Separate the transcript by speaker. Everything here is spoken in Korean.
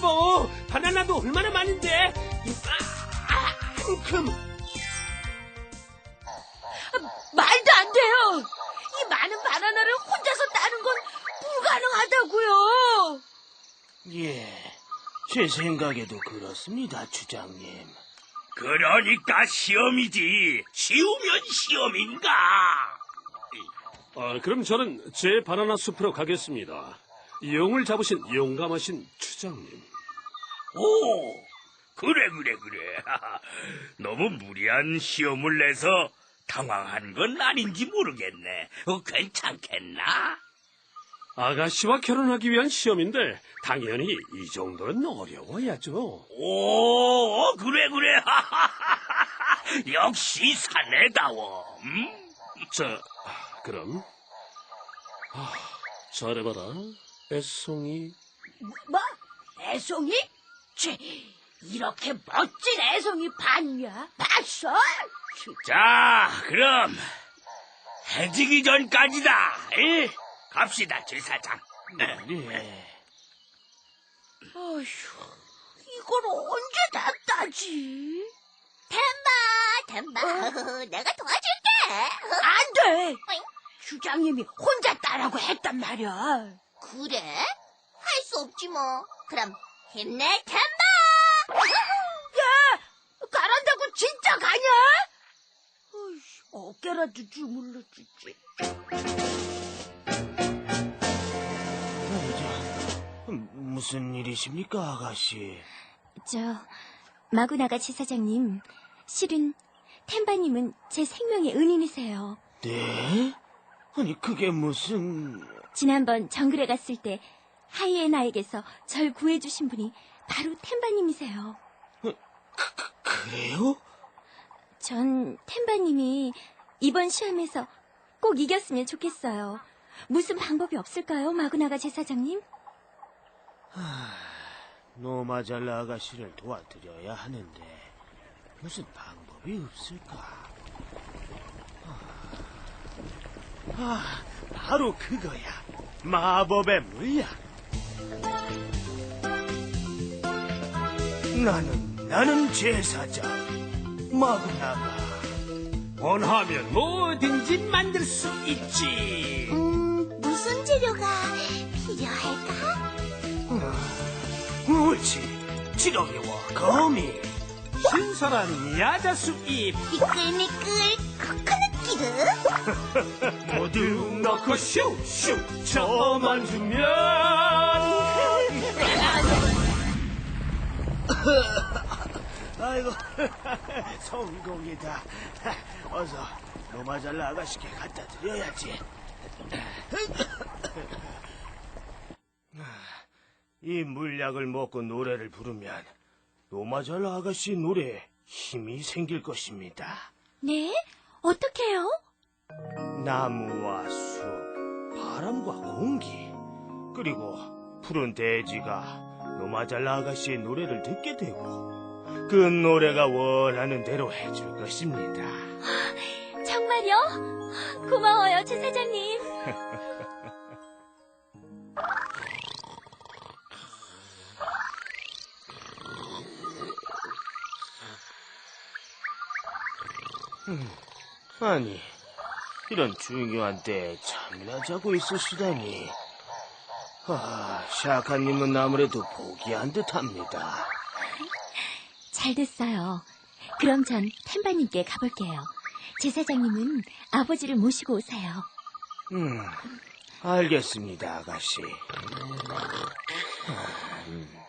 Speaker 1: 여보, 바나나도 얼마나 많은데? 이만큼.
Speaker 2: 말도 안 돼요. 이 많은 바나나를 혼자서 따는 건 불가능하다고요.
Speaker 3: 예, 제 생각에도 그렇습니다, 주장님.
Speaker 4: 그러니까 시험이지. 쉬우면 시험인가?
Speaker 1: 그럼 저는 제 바나나 숲으로 가겠습니다. 용을 잡으신 용감하신 추장님.
Speaker 4: 오, 그래. 너무 무리한 시험을 내서 당황한 건 아닌지 모르겠네. 괜찮겠나?
Speaker 1: 아가씨와 결혼하기 위한 시험인데 당연히 이 정도는 어려워야죠.
Speaker 4: 오, 그래. 역시 사내다워.
Speaker 1: 자, 그럼 잘해봐라, 애송이.
Speaker 2: 뭐? 애송이? 이렇게 멋진 애송이 봤냐? 봤어?
Speaker 4: 자, 그럼 해지기 전까지다. 에? 갑시다, 제사장.
Speaker 3: 예.
Speaker 2: 어휴, 이걸 언제 다 따지?
Speaker 5: 템바, 내가 도와줄게.
Speaker 2: 안 돼! 주장님이 혼자 따라고 했단 말이야.
Speaker 5: 그래? 할 수 없지 뭐. 그럼 힘내, 템바.
Speaker 2: 야! 가란다고 진짜 가냐? 어깨라도 주물러 주지.
Speaker 3: 무슨 일이십니까, 아가씨?
Speaker 6: 마구나가 제사장님, 실은 템바님은 제 생명의 은인이세요.
Speaker 3: 네? 아니, 그게 무슨...
Speaker 6: 지난번 정글에 갔을 때 하이에나에게서 절 구해주신 분이 바로 템바님이세요.
Speaker 3: 그래요?
Speaker 6: 전 템바님이 이번 시험에서 꼭 이겼으면 좋겠어요. 무슨 방법이 없을까요, 마구나가 제사장님?
Speaker 3: 노마잘라 아가씨를 도와드려야 하는데 무슨 방법이 없을까? 바로 그거야. 마법의 물약. 나는 제사장 마구나가.
Speaker 1: 원하면 뭐든지 만들 수 있지.
Speaker 5: 무슨 재료가 필요할까?
Speaker 3: 옳지. 지렁이와 거미.
Speaker 1: 신선한 야자수잎
Speaker 5: 미끌미끌 코코넛 기름.
Speaker 1: 모두 넣고 슉슉 저만 주면.
Speaker 3: 아이고, 성공이다. 어서 노마잘라 아가씨께 갖다 드려야지. 이 물약을 먹고 노래를 부르면 노마잘라 아가씨 노래에 힘이 생길 것입니다.
Speaker 6: 네? 어떡해요?
Speaker 3: 나무와 숲, 바람과 공기, 그리고 푸른 대지가 노마잘라 아가씨의 노래를 듣게 되고 그 노래가 원하는 대로 해줄 것입니다.
Speaker 6: 정말요? 고마워요, 제사장님.
Speaker 3: 아니, 이런 중요한 때에 잠이나 자고 있으시다니. 샤카님은 아무래도 포기한 듯합니다.
Speaker 6: 잘 됐어요. 그럼 전 템바님께 가볼게요. 제사장님은 아버지를 모시고 오세요.
Speaker 3: 알겠습니다, 아가씨.